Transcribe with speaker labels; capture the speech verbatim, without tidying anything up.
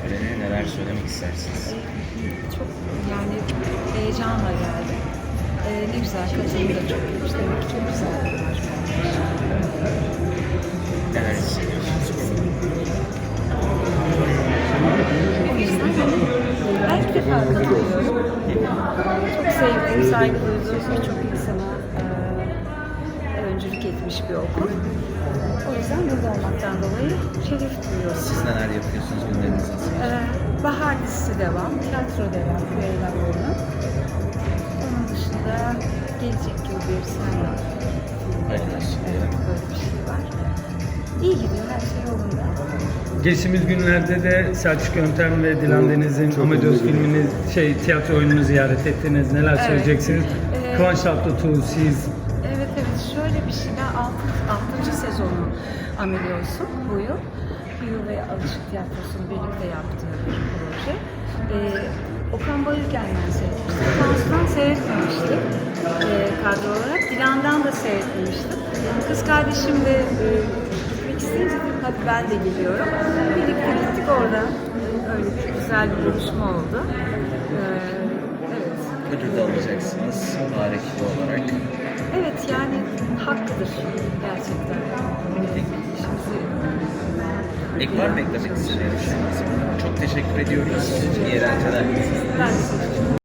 Speaker 1: töreni. Neler söylemek istersiniz?
Speaker 2: Çok yani heyecanla geldi. Ee, ne güzel, katılım da çok iyiymiş. Demek ki çok güzel bir yarışmaymış.
Speaker 1: Neler hissediyorsunuz?
Speaker 2: O yüzden ben ilk defa katılıyorum. Çok sevdiğim, saygı duyduğum birçok insana e, öncülük etmiş bir okul. O yüzden burada olmaktan dolayı şeref duyuyorum.
Speaker 1: Siz neler yapıyorsunuz, günleriniz nasıl?
Speaker 2: Ee, Bahar dizisi devam, tiyatro devam, Küveyla oyunu. Onun dışında gelecek yıl bir senle
Speaker 1: Hayırlı olsun.
Speaker 2: evet, böyle bir şey var. İyi gidiyor, her şey yolunda.
Speaker 3: Geçtiğimiz günlerde de Selçuk Yöntem ve Dilan Deniz'in Amadeus filmini, şey tiyatro oyununu ziyaret ettiniz. Neler
Speaker 2: Evet.
Speaker 3: söyleyeceksiniz?
Speaker 2: Ee,
Speaker 3: Kıvanç Tatlıtuğ, siz
Speaker 2: Evet evet, şöyle bir şey daha, altı, altıncı sezonu Amadeus'un bu yıl. Yıl ve Alışık Tiyatrosu'nun birlikte yaptığı bir proje. Ee, Okan Bayülgen'den seyretmiştim. Okan'dan seyretmemiştim ee, kadro olarak. Dilan'dan da seyretmemiştim. Kız kardeşim de e, gitmek isteyince dedim hadi ben de geliyorum. Birlikte gittik orada. Öyle bir güzel bir buluşma oldu. Ee, evet.
Speaker 1: Ödül de alacaksınız Bahar ekibi olarak.
Speaker 2: Evet yani hakkıdır gerçekten. İşimizi
Speaker 1: Ek var mı eklemek istediğiniz? Çok teşekkür ediyoruz. İyi eğlenceler.
Speaker 2: ben de